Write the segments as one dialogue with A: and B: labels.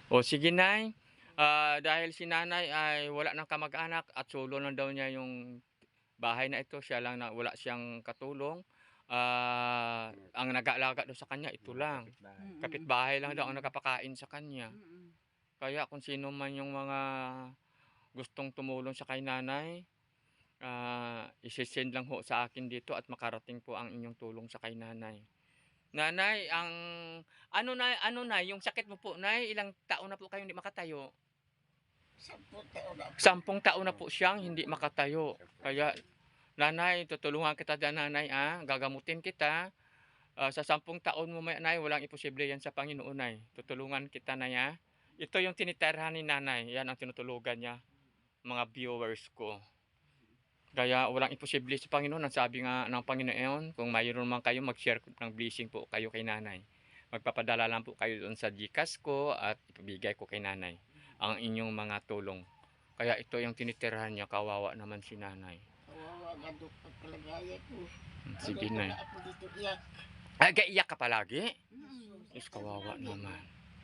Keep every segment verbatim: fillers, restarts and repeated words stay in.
A: O sige nay, ah, dahil si nanay ay wala ng kamag-anak at solo lang daw niya yung bahay na ito, siya lang na wala siyang katulong, ah, ang nag-aalaga daw sa kanya ito
B: Mga
A: lang.
B: kapitbahay.
C: Mm.
A: Kapitbahay lang daw ang
C: Mm.
A: nagpapakain sa kanya.
C: Mm.
A: Kaya kung sino man yung mga gustong tumulong sa kay nanay, ah, ise-send lang ho sa akin dito at makarating po ang inyong tulong sa kay nanay. Nanay, ang ano na ano nay, yung sakit mo po nay, ilang taon na po kayong hindi makatayo?
C: Sampung taon na po.
A: Sampung taon na po siyang hindi makatayo. Kaya nanay, tutulungan kita diyan nanay, ah, gagamutin kita. Ah, sa sampung taon mo may nay, walang imposible yan sa Panginoon nay. Tutulungan kita nay, ah. Ito yung tinitirhan ni nanay, yan ang tinutulugan niya, mga viewers ko. Kaya walang imposible sa Panginoon. Ang sabi nga ng Panginoon, kung mayroon man kayo, mag-share ng blessing po kayo kay nanay. Magpapadala lang po kayo doon sa GCash ko at ipabigay ko kay nanay ang inyong mga tulong. Kaya ito yung tinitirhan niya, kawawa naman si nanay.
C: Kawawa nga doon pagkalagayan ko.
A: Sige
C: Kaya
A: nay.
C: wala ako dito iyak.
A: Ay, kaiyak ka palagi?
C: Mm.
A: Is kawawa naman.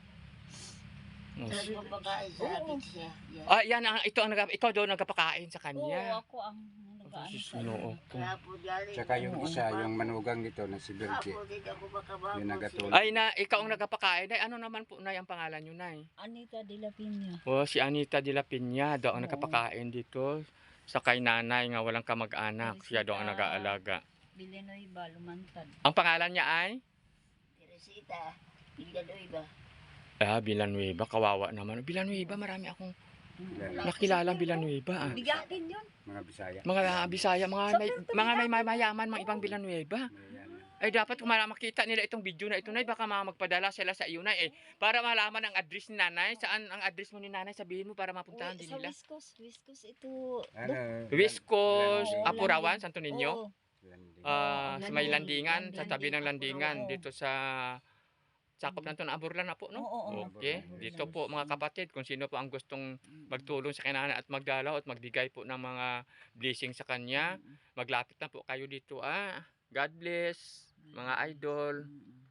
A: Oh,
C: Tapos mapakain sa akin siya. Yan.
A: ah, yan ang ito ang nag ikaw daw nagpapakain sa
D: Oo,
A: kanya.
D: ako ang nag-aano
A: Diyos
D: sa
A: Ginoo
D: inyo.
A: ko.
C: Kaya po dali.
B: Tsaka yung isa, yung manugang nito na si Berke.
C: Kapo din ako makababo.
B: Yung nagatulog.
A: Ay na ikaw ang nagpapakain. Ay ano naman po na ang pangalan niyo nay?
D: Anita de la Piña.
A: Oh, si Anita de la Piña daw ang
D: Oo.
A: nagpapakain dito sa kay nanay nga walang kamag-anak. Siya daw ang nag-aalaga.
D: Villanueva, Lumantad.
A: Ang pangalan niya ay
C: Teresita. Villanueva.
A: ah, Villanueva. Kawawa naman. Villanueva, marami akong
D: Mm.
A: nakilala Villanueva. Ah.
D: Bigatin yun.
B: Mga Bisaya.
A: Mga Bisaya, mga may, mga may mayaman, mga ibang Villanueva.
B: May yan.
A: Ay dapat kung mala- makita nila itong video na ito nay, baka mga magpadala sila sa iyo nay eh, para malaman ang address ni nanay. Saan ang address mo ni nanay, sabihin mo para mapuntahan
D: Uy,
A: din
D: sa
A: nila.
D: West Coast, West Coast ito.
B: Ano?
A: West Coast,
D: Oo,
A: Apurawan,
D: landing.
A: Santo Niño.
D: Oo.
B: Landing.
A: Ah,
D: Oo,
A: sa may
D: landing,
A: landingan, sa
D: landing,
A: tabi ng landingan
D: Apurawan.
A: dito sa sakop na ito ng Aburlan na po, no?
D: Oo, oo.
A: Okay, dito po mga kapatid, kung sino po ang gustong magtulong sa kanya at magdalaw at magbigay po ng mga blessing sa kanya, maglapit na po kayo dito, ah. God bless, mga idol.
D: Mm.